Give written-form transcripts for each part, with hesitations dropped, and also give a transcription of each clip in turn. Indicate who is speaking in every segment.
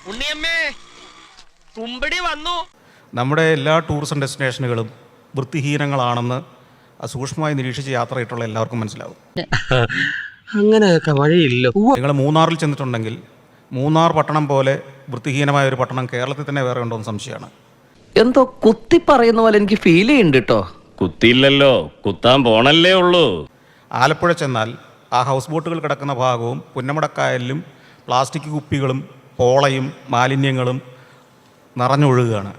Speaker 1: ഉണ്ണിയമ്മേ തുമ്പടി വന്നു.
Speaker 2: നമ്മുടെ എല്ലാ ടൂറിസം ഡെസ്റ്റിനേഷനുകളും വൃത്തിഹീനങ്ങളാണെന്ന് സൂക്ഷ്മമായി നിരീക്ഷിച്ച് യാത്രയിട്ടുള്ള എല്ലാവർക്കും മനസ്സിലാവും.
Speaker 3: അങ്ങനെയൊക്കെ വഴിയില്ല.
Speaker 2: നിങ്ങൾ മൂന്നാറിൽ ചെന്നിട്ടുണ്ടെങ്കിൽ മൂന്നാർ പട്ടണം പോലെ വൃത്തിഹീനമായ ഒരു പട്ടണം കേരളത്തിൽ തന്നെ വേറെ ഉണ്ടോ എന്ന് സംശയമാണ്.
Speaker 4: എന്തോ കുത്തി പറയുന്ന പോലെ എനിക്ക് ഫീൽ ചെയ്യുന്നുണ്ട് കേട്ടോ.
Speaker 5: കുത്തിയില്ലല്ലോ, കുത്താൻ പോണല്ലേ ഉള്ളൂ.
Speaker 2: ആലപ്പുഴ ചെന്നാൽ ആ ഹൗസ് ബോട്ടുകൾ കിടക്കുന്ന ഭാഗവും പുന്നമടക്കായലിലും പ്ലാസ്റ്റിക് കുപ്പികളും പോളയും മാലിന്യങ്ങളും നിറഞ്ഞൊഴുകുകയാണ്.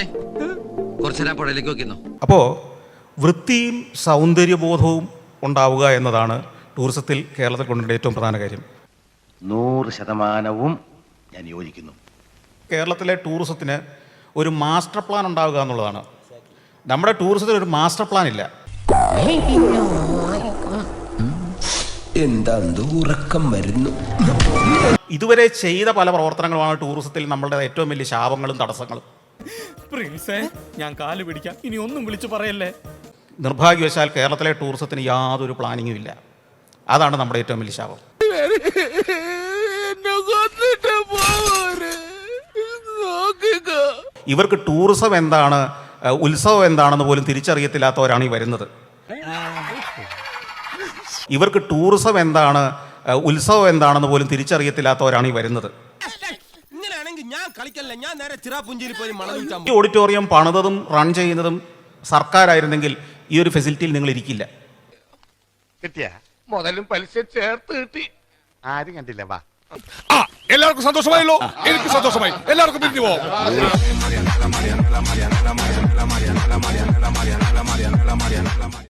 Speaker 2: അപ്പോൾ വൃത്തിയും സൗന്ദര്യബോധവും ഉണ്ടാവുക എന്നതാണ് ടൂറിസത്തിൽ കേരളത്തിൽ കൊണ്ടുവരേണ്ട ഏറ്റവും പ്രധാന കാര്യം.
Speaker 6: 100% ഞാൻ യോജിക്കുന്നു.
Speaker 2: കേരളത്തിലെ ടൂറിസത്തിന് ഒരു മാസ്റ്റർ പ്ലാൻ ഉണ്ടാവുക എന്നുള്ളതാണ്. നമ്മുടെ ടൂറിസത്തിന് ഒരു മാസ്റ്റർ പ്ലാൻ ഇല്ല.
Speaker 3: എന്താ ഉറക്കം വരുന്നു.
Speaker 2: ഇതുവരെ ചെയ്ത പല പ്രവർത്തനങ്ങളുമാണ് ടൂറിസത്തിൽ നമ്മളുടെ ഏറ്റവും വലിയ ശാപങ്ങളും തടസ്സങ്ങളും.
Speaker 7: ഞാൻ കാല് പിടിക്കാം, ഇനി ഒന്നും വിളിച്ചു പറയല്ലേ.
Speaker 2: നിർഭാഗ്യവശാൽ കേരളത്തിലെ ടൂറിസത്തിന് യാതൊരു പ്ലാനിങ്ങും ഇല്ല. അതാണ് നമ്മുടെ ഏറ്റവും വലിയ ശാപം. ഇവർക്ക് ടൂറിസം എന്താണ്, ഉത്സവം എന്താണെന്ന് പോലും തിരിച്ചറിയത്തില്ലാത്തവരാണ് ഈ വരുന്നത്. ഇവർക്ക് ടൂറിസം എന്താണ്, ഉത്സവം എന്താണെന്ന് പോലും തിരിച്ചറിയത്തില്ലാത്തവരാണ് ഈ വരുന്നത്. ഈ ഓഡിറ്റോറിയം പണിതതും റൺ ചെയ്യുന്നതും സർക്കാരായിരുന്നെങ്കിൽ ഈ ഒരു ഫെസിലിറ്റിയിൽ നിങ്ങൾ ഇരിക്കില്ല.
Speaker 6: കിട്ടിയ മുതലും പലിശ ചേർത്ത് കിട്ടി. ആരും കണ്ടില്ല. വാ,
Speaker 7: എല്ലാവർക്കും സന്തോഷമായല്ലോ. എനിക്ക് സന്തോഷമായി. എല്ലാവർക്കും പിരിഞ്ഞു പോവാം.